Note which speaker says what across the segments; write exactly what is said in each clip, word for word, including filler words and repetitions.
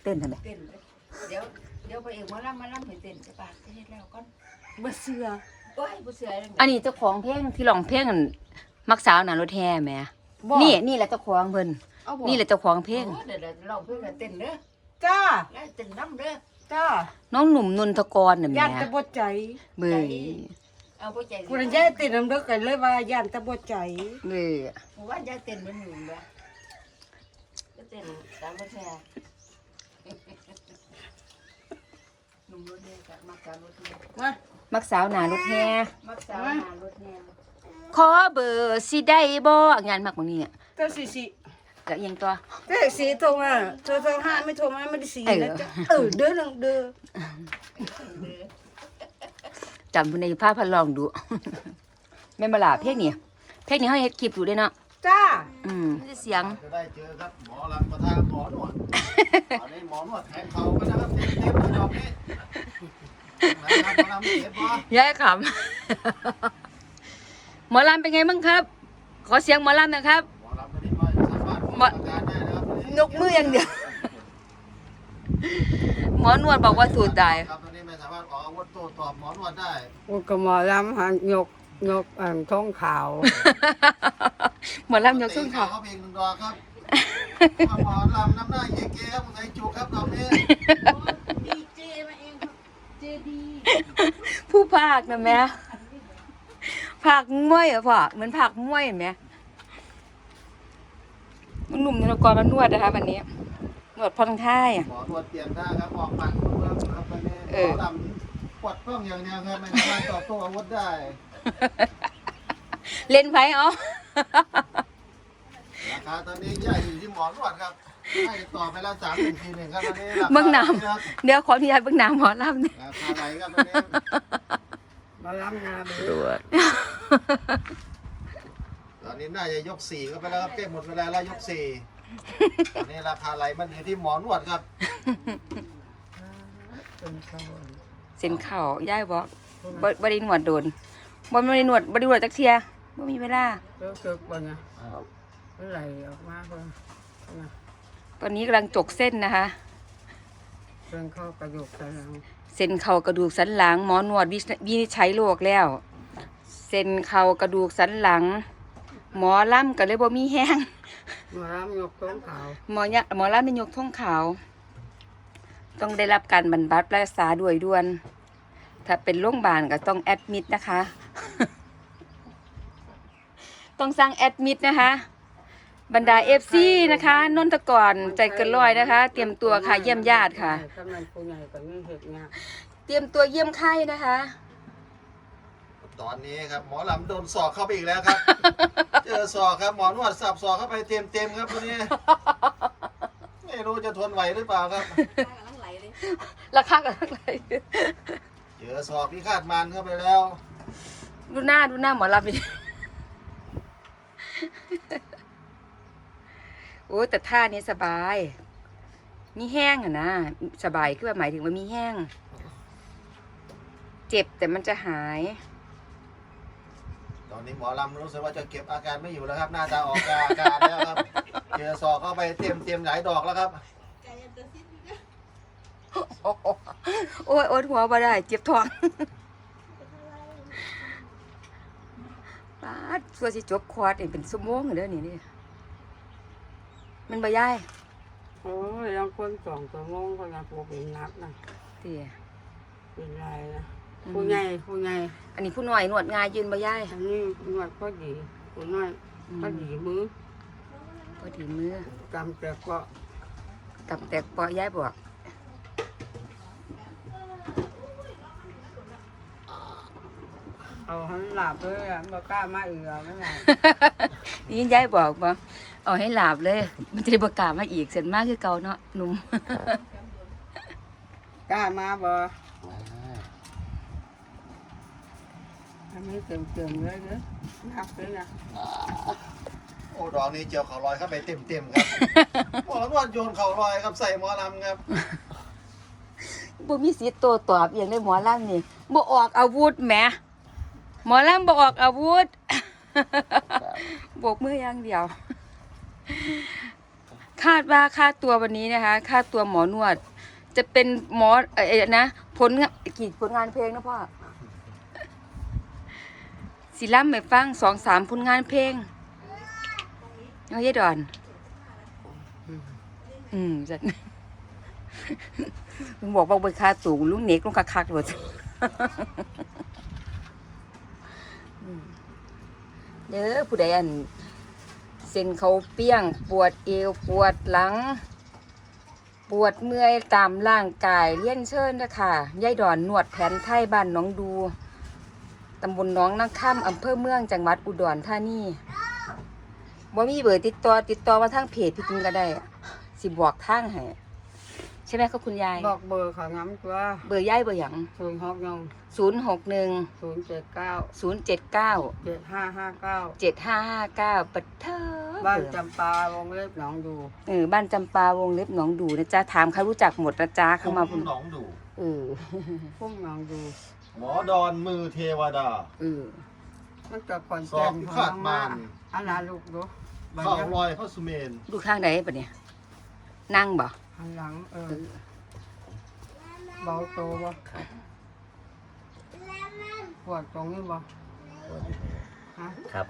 Speaker 1: เต้นทำไม
Speaker 2: เต้นเลยเดี๋ยวเดี๋ยวไปเองมาล่ำมาล่ำให้เต้นจะปากเฮ็ดแล้วก่อน
Speaker 1: บ่เชื่อ
Speaker 2: โอ้ยบ่เชื่อเลย
Speaker 1: อันนี้เจ้าของเพลงที่ร้องเพลงอันมักสาวหน้ารถแห่แหมนี่นี่แหละเจ้าของเพิ่นนี่แหละเจ้าของเพลง
Speaker 2: เดี๋ยวเดี๋ยวร้องเพลงกันเต้นเด้อ
Speaker 3: จ้า
Speaker 2: แล้วเต้นน้ำเด้อ
Speaker 3: จ้า
Speaker 1: น้องหนุ่มนนทกรน่ะแหม
Speaker 3: ย่านตะบดใจ
Speaker 1: เบ้ย
Speaker 2: เอาบ่ใจ
Speaker 3: คุณยายติดน้ำเด้อกันเลยว่าย่านตะบดใจ
Speaker 1: เบ้ย
Speaker 2: ว่ายายเต้นมันหนุ่มบ่ก็เต้นตามบ่แท้หนุ่มรถแห่กับมักสาวรถแห่
Speaker 3: มา
Speaker 1: มักสาวหน้ารถแห่
Speaker 2: มักสาวหารถแห่
Speaker 1: ขอเบอร์สิได้บ่งานมักบ่นี่เนี่ย
Speaker 3: เจ้าสิสิ
Speaker 1: ก็ยังตัว
Speaker 3: เจ้าสีโทรมาโทรโทรห้าไม่โทรมาไม่ได้สีนะจ๊ะเออเด้อนังเด้อ
Speaker 1: จำเพิ่นในภาพพันลองดู แม่นบ่ล่ะเพลงนี้เพลงนี้เฮาเฮ็ดคลิปอยู่เด้เนาะ
Speaker 3: จ้า
Speaker 1: อืมเสียง
Speaker 4: จะได้เจอครับหมอลำประทานหมอนวดตอนนี้หมอนวดแทงเข่ากันนะครับเต็มเต็มเลยดอกนี้นะครับหมอลำเจ็บปะ
Speaker 1: ยายขำ หมอลำเป็นไงบ้างครับ ขอเสียงหมอลำหนะครับ
Speaker 4: หมอลำตอนนี้ก็สามารถออกอาการได้นะครับ
Speaker 1: นกมืออย่างเดียว หมอนวดบอกว่าสูดได้
Speaker 4: ครับตอนนี้ไม่สามารถออกอาวุธโต้ตอบหมอนวดได้
Speaker 3: โอ้ก็หมอลำหันยกยกอ่างท้องขาว
Speaker 1: หมอลำยกส้นเขา
Speaker 4: เขาเพลงหนึ่งดอกครับหมอลำน้ำหน้าเยเกครับไงจุกครับดอกนี้
Speaker 2: ดีเจมาเองครับเจดี
Speaker 1: ผู้ภาคนะแม่ภาคมวยเหรอพ่อเหมือนภาคมวยเห็นไหมหนุ่มนรกรมานวดนะคะวันนี้นวดผ่อนคลายอะ
Speaker 4: หมอนวดเปลี่ยนท่าครับออกปัดเพิ่มครับตอนนี้หมอลำปวดกล้องอย่างเดียวครับไม่สามารถตอบโต้อาวุธได้
Speaker 1: เล่นไพ่เอา
Speaker 4: ราคาตอนนี้ใหญ่อยู่ที่หมอนวดครับให้ต่อไปแล้วสามหนึ่งทีหนึ่งครับตอนนี้ราคา
Speaker 1: เบื้องหน้
Speaker 4: ครับ
Speaker 1: ำเดี๋ยวขออนุญาตเบื้องหน้ำหมอลำเนี่ย
Speaker 4: ราคาไหนครับตอนนี้
Speaker 3: หมอลำงาน
Speaker 1: ตรวจ
Speaker 4: ตอนนี้น่าจะยกสี่ก็ไปแล้วครับเก็บหมดเวลาแล้วยกสี่ตอนนี้ราคาไหลมันอยู่ที่หมอนวดครับ
Speaker 1: เส้นเข่าย่ายบอกบ่บ่ได้หนวดโดนบ่บ่ได้หนวดบ่ได้หนวดจักเทียบ่มีเวลา
Speaker 3: เจ้าเกิดบ่เนี่ยไหลออกมาเพิ่น
Speaker 1: ตอนนี้กำลังจกเส้นนะคะ
Speaker 3: เพิ่นเข้ากระดูกสันหลัง
Speaker 1: เส้นเข่ากระดูกสันหลังหมอนวดวิวินิจฉัยโรคแล้ว เส้นเข่ากระดูกสันหลัง หมอลำก็เลยบ่มีแห้ง
Speaker 3: หมอลำยกท้องขาว
Speaker 1: หมอยะหมอลำเป็นยกท่องขาว ต้องได้รับการบรรบัดรักษาด้วยด่วน ถ้าเป็นโรงพยาบาลก็ต้องแอดมิดนะคะ ต้องสั่งแอดมิดนะคะ บรรดาเอฟซีนะคะนนทกรใจเกินร้อยนะคะ เตรียมตัวค่ะเยี่ยมญาติค่ะ
Speaker 3: กำนันผู้ใหญ่ก็ยังเฮ็ดงาน
Speaker 1: เตรียมตัวเยี่ยมไข้นะคะ
Speaker 4: ตอนนี้ครับหมอลำโดนศอกเข้าไปอีกแล้วครับ เจอศอกครับหมอนวดสับศอกเข้าไปเต็มเต็มๆครับตัวนี้ ไม่รู้จะทนไหวหรือเปล่าครับ
Speaker 1: ราคากันอะไร
Speaker 4: เจอศอกที่คาดมันเข้าไปแล้ว
Speaker 1: ดูหน้าดูหน้าหมอลำดิ โอ้แต่ท่านี้สบาย มีแห้งอะนะสบายคือว่าหมายถึงว่ามีแห้ง เจ็บแต่มันจะหาย
Speaker 4: ตอนนี้หมอลำรู้สึกว่าจะเก็บอาการไม่อยู่แล้วครับน่าจะออกอาการแล้วครับ เจอศอกเข้าไปเต็มเต็มๆหลายดอกแล้วครับ
Speaker 1: โอ้ยโอ้ยหัวบ่ได้ เจ็บท้องปาดสัวสิจบคอร์สนี่เป็นชั่วโมงเลยเด้อนี่นี่มันบ่ย้าย
Speaker 3: โอ้ยยังคนสองชั่วโมงก็ยังบ่เป็นนักนะ
Speaker 1: เตี้ย
Speaker 3: เป็นไรนะผู้ใหญ่ผู้ใหญ่
Speaker 1: อันนี้ผู้น้อยนวดง่ายยืนบ่ย้าย
Speaker 3: อันนี้นวดพอดีผู้น้อยพอดีมือ
Speaker 1: พอดีมือก
Speaker 3: ำแต่ก็
Speaker 1: กับแตกปอย้ายบอก
Speaker 3: เอาให้หลับเลยอ่ะบ่กล้ามาอีกแล้วนั่นแหละ
Speaker 1: นี่ย้ายบอกบ่เอาให้หลับเลย มันจะได้บ่กล้ามาอีกเสร็จมากคือเก่าเนาะหนุ่ม
Speaker 3: กล้ามาบ่อันนี้เต็มๆเลยเด้อนักเลยนะ
Speaker 4: โอ้ดอกนี้เจียวเข่าลอยเข้าไปเต็มเต็มๆครับ หมอนวดโยนเข่าลอยครับใส่หมอลำครับ
Speaker 1: บ่มีสิทธิ์โต้ตอบอหย่างในหมอลำนี่บ่ออกอาวุธแหมหมอลำบ่ออกอาวุธ โบกมืออย่างเดียวคาดว่าค่าตัววันนี้นะคะ ค่าตัวหมอนวด จะเป็นหมอเอ่อนะผลงานกี่ผลงานเพลงนะพ่อสิล่ำไปฟังสองสามผลงานเพลงเอาเยดอน อืมจัดลุงบอกว่าเบอร์ค่าตัวลุงเน็กลุงคักๆเลยเด้อผู้ใดอันเส้นเขาเปี้ยงปวดเอวปวดหลัง ปวดเมื่อยตามร่างกายเลี้ยนเชิญนะค่ะยายดอนนวดแผนไทยบ้านหน้องดูตำบลหน้องนางค่ำอำเภอเมืองจังหวัดอุดรธานีบ่มีเบอร์ติดต่อติดต่อมาทางเพจพี่ตุ้งก็ได้สิบอกทางให้ใช่ไหมครับคุณยาย
Speaker 3: บอกเบอร์เขาง้ำตัว
Speaker 1: เบอร์ยายเบอร์หยัง
Speaker 3: ศูนย์หกหนึ่ง
Speaker 1: ศูนย์หกหนึ่ง
Speaker 3: ศูนย์เจ็ดเก้า
Speaker 1: ศูนย์เจ็ดเก้า
Speaker 3: เจ็ดห้าห้าเก้า
Speaker 1: เจ็ดห้าห้าเก้าปัดเถอ
Speaker 3: บ้านจำปาวงเล็บหนองดู
Speaker 1: เออบ้านจำปาวงเล็บหนองดูนะจ๊ะถามเขารู้จักหมดนะจ๊ะเข้ามา
Speaker 4: พุ่มหนองดู
Speaker 1: เออ
Speaker 3: พุ่มหนองดู
Speaker 4: หมอดอนมือเทวดา
Speaker 1: เออ
Speaker 3: มันจะก่อน
Speaker 4: สอบพิฆาตมาร
Speaker 3: อันนั้นลูกดู
Speaker 4: เข้าลอยเข้าสุเมน
Speaker 1: ดูข้างไหนปะเนี่ยนั่งบ่
Speaker 3: หันหลังเออเบาโตบ่ปวดตรงนี้บ่ฮะ
Speaker 2: ครับผม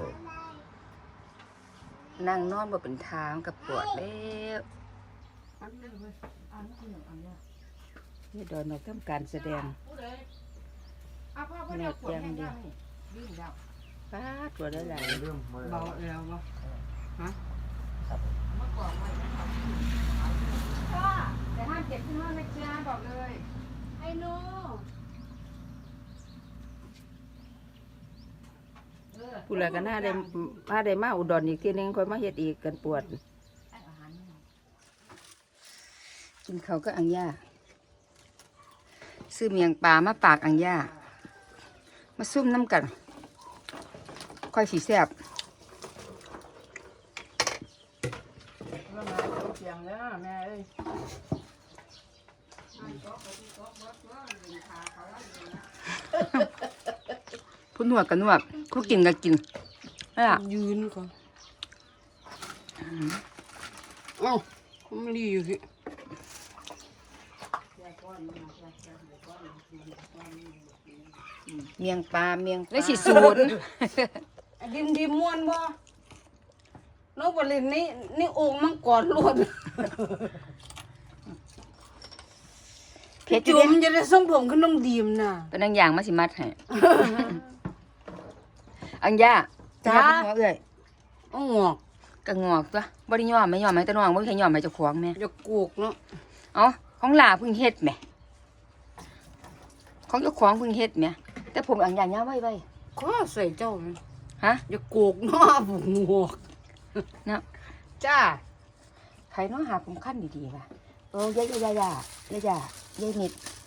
Speaker 1: นั่งนอนบ่เป็นทางกับปวดแล้ว
Speaker 3: อันนี้เว้ยอันนี้อันนี้
Speaker 1: นี่ดอนเราทำการแสดง
Speaker 3: อ่ะพ่อพ่อ
Speaker 1: แม่
Speaker 3: เดี๋ยวปวด
Speaker 1: แจ้ง
Speaker 3: แห้ง
Speaker 1: ดิ
Speaker 3: ยังนี่วิ่งแล้ว
Speaker 1: ป้าดตัวได้หลาย
Speaker 4: เรื่องมือ
Speaker 3: เบาแล้วบ่ฮะ
Speaker 1: แต่ห้ามเก็บที่ห้องนะจ๊ะบอกเลย
Speaker 3: ไอ้หนู
Speaker 1: ผู้ใดก็น่าได้มาได้มาอุดรอีกทีนึงค่อยมาเฮ็ดอีกกันปวด กินเขาวก็อังย่าซื้อเมียงปลามาปากอังย่ามาซุ่มน้ำกัน ค่อยสีแซ่บ
Speaker 3: เรื่องมาเสียงแล้วแม่เอ้ย
Speaker 1: ผู้นวดก็นวดผู้กินก็กินนั่นล่ะ
Speaker 3: ยืนก่อนเอ้าผมไม่ดีอยู่สิ
Speaker 1: เมียงปลาเมียงได้สิศูนย์
Speaker 3: ดิมดิมม่วนบ่นกบรินนี่นี่โอ่งมังกรล้วน
Speaker 1: เพชร
Speaker 3: จุ่มจะได้ส่งผมขึ้นน้องดีมน่ะ
Speaker 1: เป็นนางอย่างมาสิมัดให้อังย่า
Speaker 3: จ้า
Speaker 1: ย่เป็นหัวเอ้ย
Speaker 3: อ้องอก
Speaker 1: กะงอกตัวบ่ได้ยอมไม่ยอมให้ตะน้องบ่มีใครยอมให้เจ้าของแม่
Speaker 3: อย่ากูกเนาะ
Speaker 1: เอ้าของหลาเพิ่งเฮ็ดแหมของเจ้าของเพิ่งเฮ็ดแหมแต่ผมอังย่ายาวไว้ไว้
Speaker 3: ก็ใส่เจ้าไหม
Speaker 1: ฮะ
Speaker 3: อย่ากูกเนาะผมงอก
Speaker 1: เนาะ
Speaker 3: จ้า
Speaker 1: ใครเนาะหาผมขั้นดีๆว่ะเออยายยายายายายายายนิด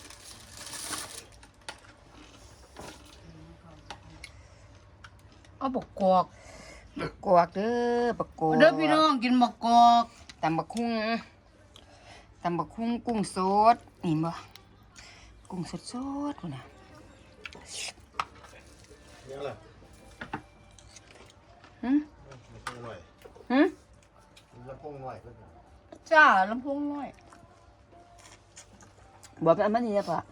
Speaker 3: เอาบักกอก
Speaker 1: บักกอกเด้อบักกอก
Speaker 3: เด้อพี่น้องกินบักกอก
Speaker 1: ตำบักคุ้งตำบักคุ้งกุ้งสดนี่บ่กุ้งสดสดพุ่นน่ะ
Speaker 4: เนี่ยแหละ
Speaker 1: หึ
Speaker 4: ลำโพงหน่อย
Speaker 1: หึ
Speaker 4: ลำโพงหน่อยเพื่อน
Speaker 3: จ้าลำโพงน้อย
Speaker 1: บอกไปเอามานี่นะพ่อ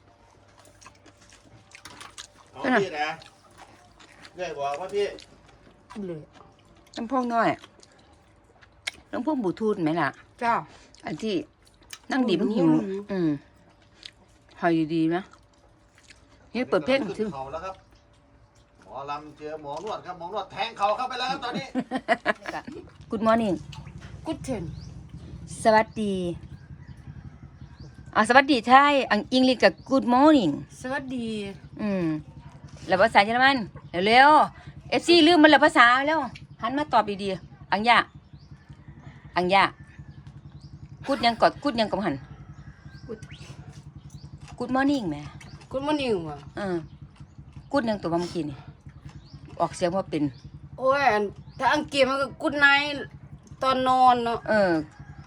Speaker 4: เอาพี่นะใหญ่บอกว่าพี่
Speaker 3: เลย
Speaker 1: ลำโพงน้อยลำโพงบลูทูธไหมล่ะ
Speaker 3: จ้า
Speaker 1: อันที่นั่งดีมันหิว
Speaker 3: อืม
Speaker 1: อืมหอยดีๆนะนี่เปิดเพลง
Speaker 4: ขึ้น
Speaker 1: ถึง
Speaker 4: เขาแล้วครับหมอลำเจอหมอนวดครับหมอนวดแทงเขาเข้าไปแล้วครับตอนนี้
Speaker 1: Good morning
Speaker 3: กุดเทน
Speaker 1: สวัสดีอ่าสวัสดีไทยอังอังกฤษกับ Good morning
Speaker 3: สวัสดี
Speaker 1: อืมแล้วภาษาเยอรมันเร็วๆเอฟซีลืมมันแล้วภาษาแล้วหันมาตอบดีๆอังยาอังยากูดยังกอดกูดยังกำหัน
Speaker 3: กุด
Speaker 1: Good morning แม่
Speaker 3: กุดมันนิ่งว่ะ
Speaker 1: เออกูดยังตัวเมื่อกี้นี่ออกเสียงว่าเป็น
Speaker 3: โอ้ยอันถ้าอังกฤษมันก็กุดไนตอนนอนเนาะ
Speaker 1: เออ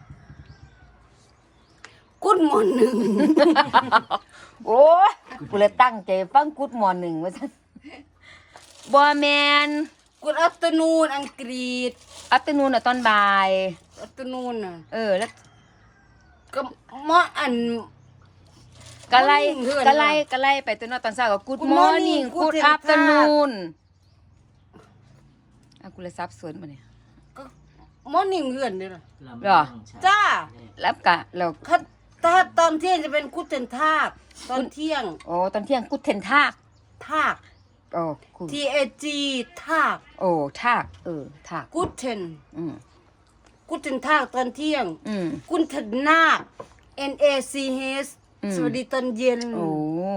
Speaker 3: กุดมอนหนึ่ง
Speaker 1: โอ้ยกูเลยตั้งใจฟังกูดมอร์หนึ่งว่าซั่นบ่แมน
Speaker 3: กุ Good afternoon อังกฤษ
Speaker 1: อัตนูนอ่ะตอนบ่าย
Speaker 3: afternoon น่ะ
Speaker 1: เออแล้ว
Speaker 3: ก็มออัน
Speaker 1: กะไล
Speaker 3: morning เพื่อน
Speaker 1: กะไลกะไลไปตัวนอตอนเช้าก็ good
Speaker 3: Good
Speaker 1: morning
Speaker 3: morning
Speaker 1: good
Speaker 3: Guten
Speaker 1: afternoon อ่ะกูเลยซับซ้อนมาเนี่ย
Speaker 3: ก็ morning เพื่อนนี่ล่ะ
Speaker 1: เหรอ
Speaker 3: จ้า
Speaker 1: แล้วกะเรา
Speaker 3: ถ้าถ้าตอนเที่ยงจะเป็นกุเทนทากตอนเที่ยง
Speaker 1: โอ้ตอนเที่ยงกูเทนทาก
Speaker 3: ทาก
Speaker 1: โอ้กู
Speaker 3: T A G ทาก
Speaker 1: โอ้ทากเออทาก
Speaker 3: กุเทน
Speaker 1: อืม
Speaker 3: กุเทนทากตอนเที่ยง
Speaker 1: อืม
Speaker 3: กุนเทนนาค N A C H
Speaker 1: อืม
Speaker 3: สวัสดีตอนเย็น
Speaker 1: โอ้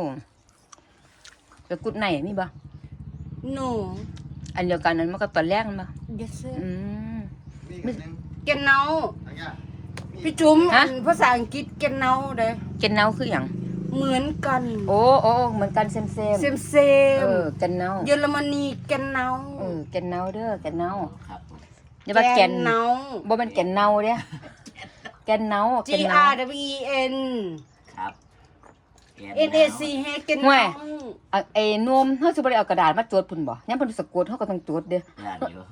Speaker 1: แล้วกูไหนมีบ่
Speaker 3: no
Speaker 1: อันเดียวกันนั้นมันก็ตอนแรกมันบ่
Speaker 3: yes sir
Speaker 1: อืม
Speaker 4: มีอีกอันหนึง
Speaker 3: เกนเนา
Speaker 4: อันเนี้ยมี
Speaker 3: พี่จุ๋ม
Speaker 1: ฮะ
Speaker 3: อันภาษาอังกฤษเกนเนาเด้อ
Speaker 1: เกนเนาคืออย่าง
Speaker 3: เหมือนกัน
Speaker 1: โอ้โอ้เหมือนกันเซมเซม
Speaker 3: เซมเซ
Speaker 1: เอ
Speaker 3: ม
Speaker 1: อเกนเนา
Speaker 3: เยอรมนีเกนเนา
Speaker 1: เออเกนเนาเด้อเกนเนา
Speaker 2: ครับผม
Speaker 1: อย่าว่าแกน
Speaker 3: เนา
Speaker 1: บ่เป็นแกนเนาเด้แกนเนา
Speaker 3: G
Speaker 1: แกนเนา
Speaker 3: R W E N
Speaker 2: ครับ
Speaker 3: N A C H เกน
Speaker 1: ห่ว
Speaker 3: เนาย
Speaker 1: อ่ะไอ้นมเฮาสิบ่ได้เอากระดาษมาจดพุ่นบ่ยามเพิ่นสะกดเฮาก็ต้องจดเด้อ
Speaker 2: ย่านอยู่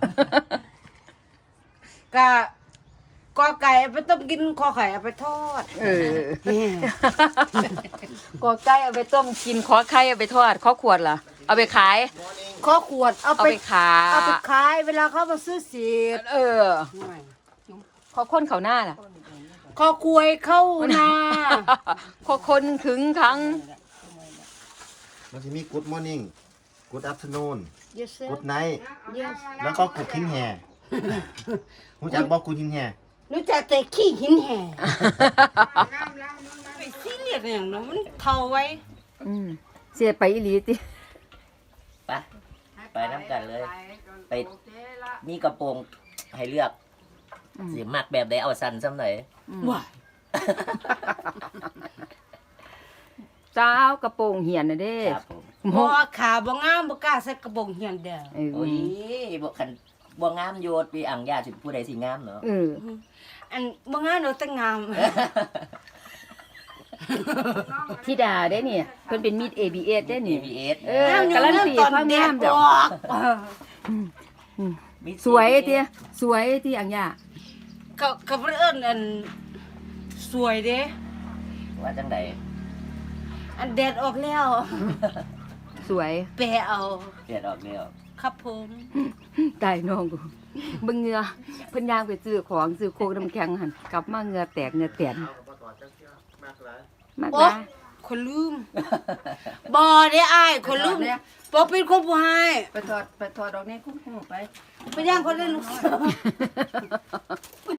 Speaker 3: กะกอไก่เอาไปต้มกินคอไข่เอาไปทอด
Speaker 1: เออ
Speaker 3: แหม่
Speaker 1: กอไก่เอาไปต้มกินขอไข่เอาไปทอดขอขวดล่ะเอาไปขาย
Speaker 3: คอขวดเอา
Speaker 1: เอา
Speaker 3: ไป
Speaker 1: ไปขาย
Speaker 3: เอาไปขายเวลาเขามาซื้อเสียด
Speaker 1: เออขอคนเขาหน้าล่ะ
Speaker 3: คอควยเข้านา
Speaker 1: ขอคนขึงขัง
Speaker 4: มันจะมี good morning good afternoon
Speaker 3: yes sir
Speaker 4: good night
Speaker 3: yes
Speaker 4: แล้วก็ good ทิ้งแห่รู้จักบอก good ทิ้งแห่
Speaker 3: รู้จักแต่ขี้หินแห่ไปซีเรียสอย่างนั้นมันเท่าไว้
Speaker 1: อืมเสียไปอีหลีติ
Speaker 2: ไปไปน้ำกันเลย ไปมีกระโปรงให้เลือกสีมักแบบใดเอาสั้นซ้ำหน่อย
Speaker 3: ว้าย
Speaker 1: สาวกระโปรงเหียนน่ะเด้
Speaker 2: ครับผม
Speaker 3: บ่ขาบ่งามบ่กล้าใส่กระบอกเหียนเด้อ
Speaker 1: เออ
Speaker 2: โอ้ยบ่คันบ่งามโยดปีอ่างญาสิผู้ใดสิงามเนาะ
Speaker 1: เออ
Speaker 3: อันบ่งามเนาะแต่งาม
Speaker 1: ธิดาได้เนี่ยเพิ่นเป็นมีด เอ บี เอส ได้
Speaker 2: เอ
Speaker 1: นี่
Speaker 2: วีเอส
Speaker 1: เออ การันตีความงามเด้อ สวยเตี้ยสวยที่อังยา
Speaker 3: เขาเขาเพิ่นเอิ้นอันสวยเด้
Speaker 2: ว่าจังได
Speaker 3: อันแดดออกแล้ว
Speaker 1: สวย
Speaker 3: แปะเอา
Speaker 2: เปลี่ยนออกเดียว
Speaker 3: ครับผม
Speaker 1: ตายน้องกูเบิ่งเหงือเพิ่นย่างไปซื้อของซื้อโคกน้ำแข็งหั่นกลับมาเหงือแตกเหงือแตน
Speaker 4: เอาบ่ต่อจักเที่ยมากหลาย
Speaker 1: มาก
Speaker 3: โอ้
Speaker 1: นะ
Speaker 3: คนลืมบ่ได้อ้ายคนลืมบ่เป็นคนผู้ให้
Speaker 1: ไปถอดไปถอดดอกนี้คุ้มๆไป
Speaker 3: ไปย่างคนเล่นลูกสาว